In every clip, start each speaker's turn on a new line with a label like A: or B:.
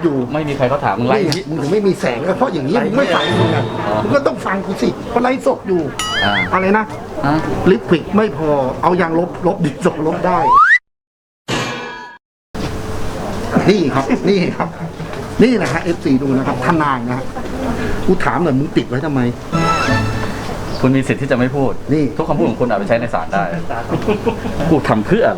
A: อยู่
B: ไม่มีใครเขาถามมึงไลฟ์
A: มึงถึงไม่มีแสงก็เพราะอย่างนี้มึงไม่ฟังมึงอ่ะมึงก็ต้องฟังกูสิเพราะไลฟ์สดอยู่อะไรนะลิปควิกไม่พอเอายางลบดินสอลบได้นี่ครับนี่ครับนี่นะฮะ FC ดูนะครับทนายนะฮะกูถามหน่อยมึงติดไว้ทำไม
B: คุณมีสิทธิ์ที่จะไม่พูด
A: นี่
B: ทุกคำพูดของคุณเอาไปใช้ในศาลได้กูทำเพื่ออะไร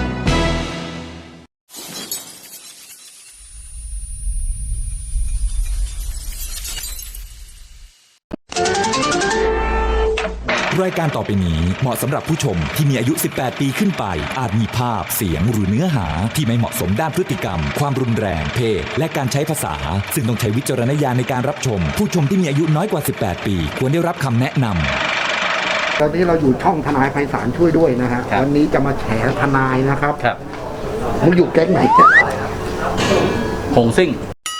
C: รายการต่อไปนี้เหมาะสำหรับผู้ชมที่มีอายุ 18 ปีขึ้นไปอาจมีภาพเสียงหรือเนื้อหาที่ไม่เหมาะสมด้านพฤติกรรมความรุนแรงเพศและการใช้ภาษาซึ่งต้องใช้วิจารณญาณในการรับชมผู้ชมที่มีอายุน้อยกว่า 18 ปีควรได้รับคำแนะนำ
A: ตอนนี้เราอยู่ช่องทนายไพศาลช่วยด้วยนะฮะวันนี้จะมาแฉทนายนะครับมึงอยู่แก๊งไหน
B: หงซิ่ง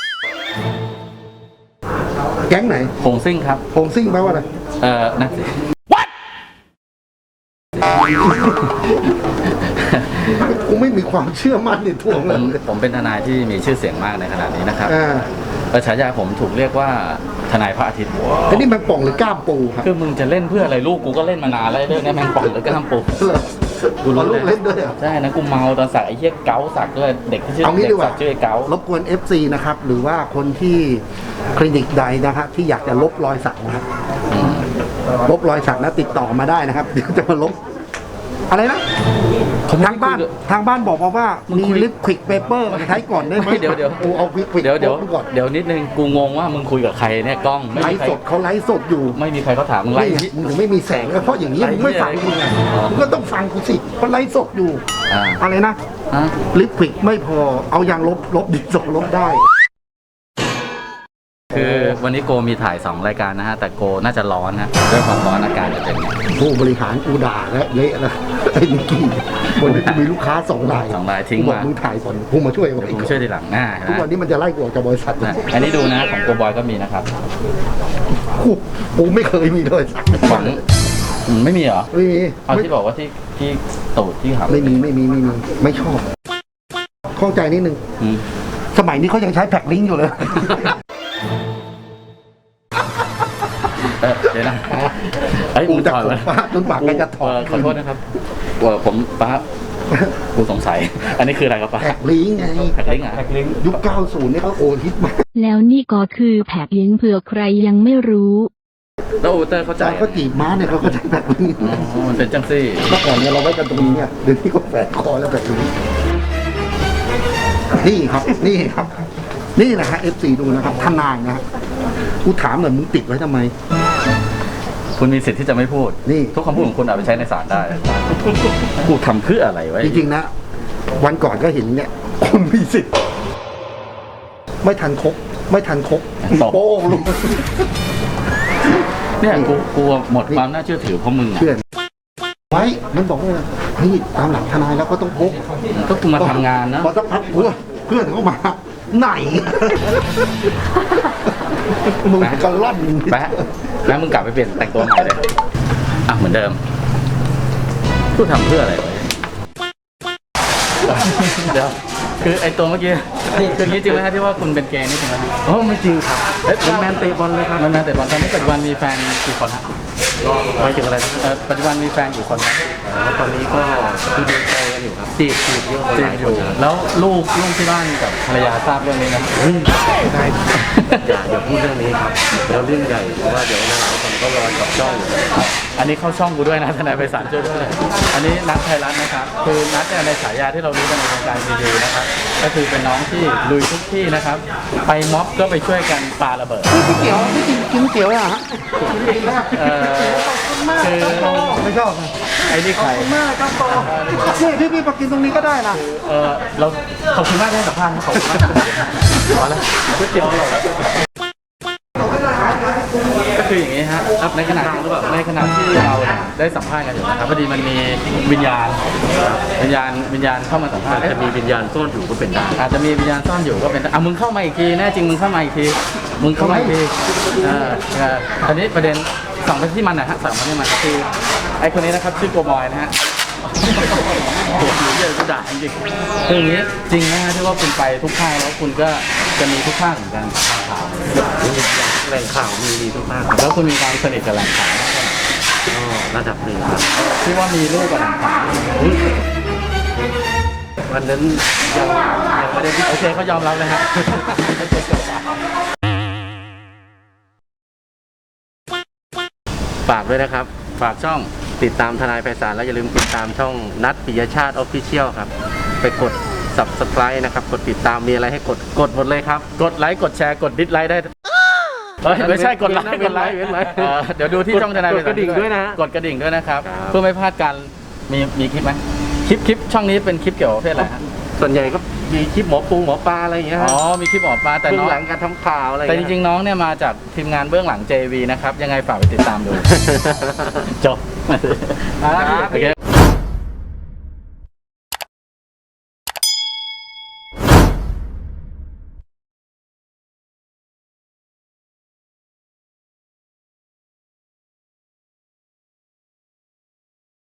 A: แก๊งไหน
B: หงซิ่งครับ
A: หงซิ่งแปลว่าอะไร
B: นั่นสิ
A: กูไม่มีความเชื่อมั่นในตัวเลย
B: ผมเป็นทนายที่มีชื่อเสียงมากในขณะนี้นะครับฉายาผมถูกเรียกว่าทนายพระอาทิตย์
A: อันนี้แมงป่องหรือก้ามปูครับ
B: คือมึงจะเล่นเพื่ออะไรลูกกูก็เล่นมานานแล้วเรื่องนี้แมงป่องหรือก้ามปู
A: กูรู้เล่นด้วย
B: ใช่นะกูเมาตอนสักไอ้เหี้ยเก๋าสักด้วยเด็กที่ชื่อเด็กสักชื่อเก๋าร
A: บกวน FC นะครับหรือว่าคนที่คลินิกใดนะครับที่อยากจะลบรอยสักนะครับลบรอยสักนะติดต่อมาได้นะครับเดี๋ยวจะมาลบอะไรนะทางบ้านบอกว่ามีลิปควิกเปเปอร์ใช้ก่อนได้ไหม
B: เดี๋ยว
A: กูเอาควิก
B: เดี๋ยวนิดนึงกูงงว่ามึงคุยกับใครเนี่ยกล้อง
A: ไลฟ์สดเขาไลฟ์สดอยู่
B: ไม่มีใครเขาถามมึงไลฟ์
A: มึงถึงไม่มีแสงก็เพราะอย่างนี้มึงไม่ฟังมึงอ่ะมึงก็ต้องฟังกูสิเพราะไลฟ์สดอยู่อะไรนะลิปควิกไม่พอเอายางลบดินสอลบได้
B: คือวันนี้โกมีถ่าย2รายการนะฮะแต่โกน่าจะร้อนนะด้วยความร้อนอากาศจะเป็น
A: ผู้บริหารกูด่าและเละแล้วไอ้นิกกี้วันนี้มีลูกค้า2 ราย
B: ทิ้งมา
A: มึงถ่ายก่อนกูมาช่วย
B: กูช่วยทีหลัง
A: ทุกวันนี้มันจะไล่กูออกจากบริษัท
B: อันนี้ดูนะของโกบอยก็มีนะครับ
A: กูไม่เคยมีเลย
B: ของไม่มีเหรอ
A: ไม่มี
B: เอาที่บอกว่าที่ตูดที่หำ
A: ไม่มีไม่ชอบเข้าใจนิดนึงสมัยนี้เขายังใช้แพ็คลิงก์อยู่เลย
B: เดี๋ยวนะ
A: กูจะถอดจนปากแกจะถอด
B: ขอโทษนะครับผมป้ากูสงสัยอันนี้คืออะไรครับป้า
A: แพ็คลิงก์ไง
B: แพ็คลิงก์อ่ะ
A: ยุค 90 นี่เขาโอฮิตมาก
D: แล้วนี่ก็คือแพ็คลิงก์เผื่อใครยังไม่รู้
B: แล้วโอเตอร์เขาใจ
A: เขาจีบม้าเนี่ยเขาก็ใช้แพ็คลิงก์
B: มันเป็นจังซี่
A: เมื่อก่อนเนี่ยเราไว้กันตรงนี้เนี่ยเดี๋ยวที่ก็แฝงคอแล้วแพ็คลิงก์นี่ครับนี่นะฮะ FC ดูนะครับทนายนะฮะกูถามหน่อยมึงติดไว้ทำไม
B: คุณมีสิทธิ์ที่จะไม่พูด
A: นี่
B: ทุกคำพูดของคุณเอาไปใช้ในศาลได้กูทำเพื่ออะไรไว้
A: จริงๆนะวันก่อนก็เห็นเนี่ยคุณมีสิทธิ์ไม่ทันครบโป้งลง
B: เนี่ยกูหมดความน่าเชื่อถือเพราะมึง
A: เชื่อไว้มันบอกว่าเฮ้ยตามหลักทนายแล้วก็ต้องพก
B: ก็กูมาทำงานนะ
A: พอสักพักเพื่อนเข้ามาไหนมึงก็ล่อน
B: แป๊ะแล้วมึงกลับไปเปลี่ยนแต่งตัวใหม่เลยเหมือนเดิมกูทำเพื่ออะไรไว้เดี๋ยวคือไอตัวเมื่อกี้คือนี้จริงไหมครับที่ว่าคุณเป็นเกย์นี่จริงไหม
A: ไม่จริงครับ
B: มันแมนเตะบอลเลยครับมันแมนเตะบอลตอนนี้ปัจจุบันมีแฟนกี่คนฮะ
A: ไปถึงอะไร
B: ปัจจุบันมีแฟนกี่คนครับ
A: ตอนนี้ก็คือดูใจกันอยู่ครับจีบ
B: อยู่แล้วลูกที่บ้านกับภรรยาทราบเรื่องนี้นะ
A: ได้อย่าพูดเรื่องนี้ครับแล้วเรื่องใหญ่เพราะว่าเดี๋ยวนะผมก็รอจับจ้องอยู่
B: อันนี้เข้าช่องกูด้วยนะทนายไพศาลช่วยด้วยอันนี้นัทไทยรัฐนะครับคือนัทในฉายาที่เรารู้กันในวงการรีวิวนะครับก็คือเป็นน้องที่ลุยทุกที่นะครับไปม็อบก็ไปช่วยกันปาระเบิด
A: พี่เกี๊ยวไม่กินเกี๊ยวอ่ะ
B: คือ
A: ไม่ชอบ
B: ไอ้นี่ใคร
A: มากครับนี่พี่มากินตรงนี้ก็ได้นะ
B: เราขอบคุณมากที่ให้สัมภาษณ์ขอบคุณมากพอแล้วก๋วยเตี๋ยวก็คืออย่างนี้ฮะในขณะที่เราได้สัมภาษณ์กันอยู่นะครับพอดีมันมีวิญญาณเข้ามาสัมภาษณ์
A: จะมีวิญญาณซ่อนอยู่ก็เป็นได้
B: อาจจะมีวิญญาณซ่อนอยู่ก็เป็นได้มึงเข้ามาอีกทีแน่จริงมึงเข้ามาอีกทีตอนนี้ประเด็น2ไปที่มันนะฮะ2ไปที่มันคือไอ้คนนี้นะครับชื่อโกบอยนะฮะตัวหนูเยอะจะด่าจริงคืออย่างนี้จริงนะที่ว่าคุณไปทุกค่ายแล้วคุณก็จะมีทุกภาคเหมือนกันข่าว
E: แหล่งข่าวมีทุกภาคครับ
B: แล้วคุณมีความสนิทกับแหล่งข่าว
E: ก็ระดับหนึ่งครับ
B: ที่ว่ามีลูกกับแหล่งข่าว
E: วันนั้นยังไม่ได้พิ
B: โอเคเขายอมรับเลยฮะ
E: ฝากด้วยนะครับ
B: ฝากช่อง
E: ติดตามทนายไพศาลแล้วอย่าลืมติดตามช่องนัทปิยชาติ Official ครับ ไปกด Subscribe นะครับ กดติดตามมีอะไรให้กดหมดเลยครับ
B: กดไลค์กดแชร์กดดิสไลค์ได้เฮ้ยไม่ใช่กดไลค์
E: เว้นไลค์เว้นไลค์
B: เดี๋ยวดูที่ช่องทนาย
E: กดกระดิ่งด้วยนะ
B: กดกระดิ่งด้วยนะครับ
E: ครับ
B: เพื่อไม่พลาดการมีคลิปไหมคลิปช่องนี้เป็นคลิปเกี่ยวกับประเภทอะไรฮะ
E: ส่วนใหญ่ก็มีคลิปหมอปลาอะไรอย่างเงี้ย
B: อ๋อมีคลิปออกมาแต่
E: เบื้อ
B: น้อง
E: งหลังการทำข่าวอะไร
B: แต่จริงๆน้องเนี่ยมาจากทีมงานเบื้องหลัง JV นะครับยังไงฝากไปติดตามดู จบ
E: ครับ
B: โอเค